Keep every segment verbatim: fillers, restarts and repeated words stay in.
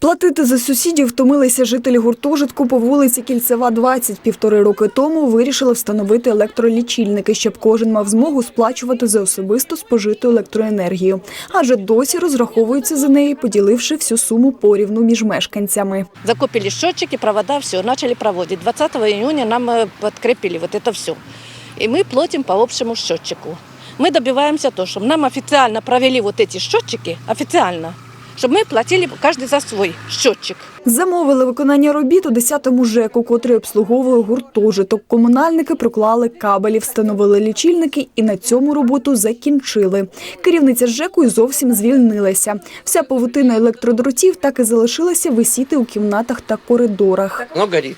Платити за сусідів втомилися жителі гуртожитку по вулиці Кільцева, двадцять. Півтори роки тому вирішили встановити електролічильники, щоб кожен мав змогу сплачувати за особисто спожиту електроенергію. Адже досі розраховуються за неї, поділивши всю суму порівну між мешканцями. Закупили счетчики, провода, все, начали проводить. двадцатого июня нам подкрепили вот это все. И мы платим по общему счетчику. Мы добиваемся того, чтобы нам официально провели вот эти счетчики, официально, щоб ми платили кожен за свій щотчик. Замовили виконання робіт у десятому ЖЕКу, котрий обслуговує гуртожиток. Комунальники проклали кабелі, встановили лічильники і на цьому роботу закінчили. Керівниця ЖЕКу й зовсім звільнилася. Вся павутина електродротів так і залишилася висіти у кімнатах та коридорах. Оно горит.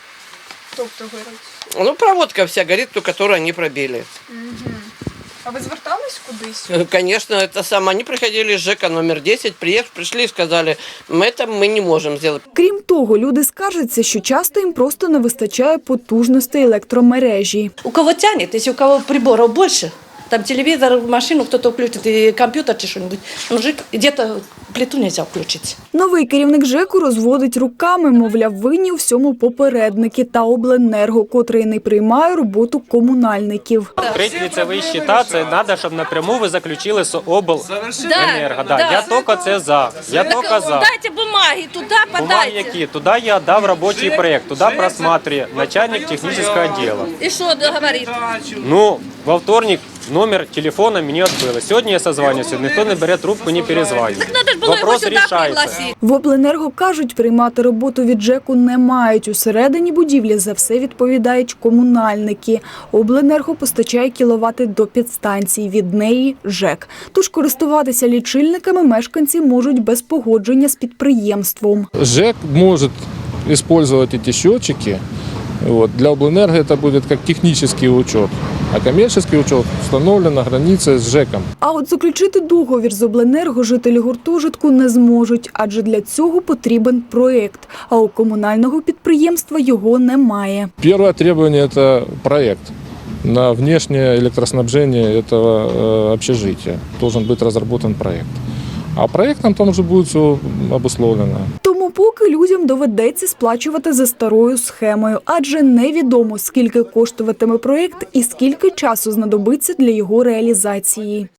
Тобто горить? Ну, проводка вся горит, ту, которую они пробили. Угу. А ви звертались кудись? Конечно, это самое. Они приходили с ЖЭКа номер десять, приехали, пришли и сказали, мы это мы не можем сделать. Крім того, люди скаржаться, що часто їм просто не вистачає потужностей електромережі. У кого тянет, если у кого приборов больше, там телевизор, машину кто-то включит, и компьютер чи что-нибудь, мужик, где-то плиту нельзя включить. Новий керівник ЖЕКу розводить руками, мовляв, винні у всьому попередники та обленерго, котрий не приймає роботу комунальників. Открыть лицевые счета, це треба, щоб напряму ви заключили з обленерго. Да, да. Я тільки це за. Я тільки за. Дайте бумаги, туди Бумаги подайте. які? Туди я дав робочий проект, туди просматриває начальник технічного відділу. І що говорить? Ну, во вторник номер телефона мені відбили. Сьогодні я созванююся, ніхто не бере трубку, не перезвонює. Вопрос рішається. В обленерго кажуть, приймати роботу від ЖЕКу не мають. Усередині будівлі за все відповідають комунальники. Обленерго постачає кіловати до підстанції, від неї – ЖЕК. Тож користуватися лічильниками мешканці можуть без погодження з підприємством. ЖЭК может использовать эти счетчики. Вот. Для обленерго это будет как технический учет, а коммерческий учет установлен на границе с ЖЭКом. А от заключити договір з обленерго жителі гуртожитку не зможуть, адже для цього потрібен проєкт, а у комунального підприємства його немає. Первое требование – это проект на внешнее электроснабжение этого э, общежития. Должен быть разработан проект. А проектом там уже будет все обусловлено. Тому поки людям доведеться сплачувати за старою схемою, адже невідомо, скільки коштуватиме проєкт і скільки часу знадобиться для його реалізації.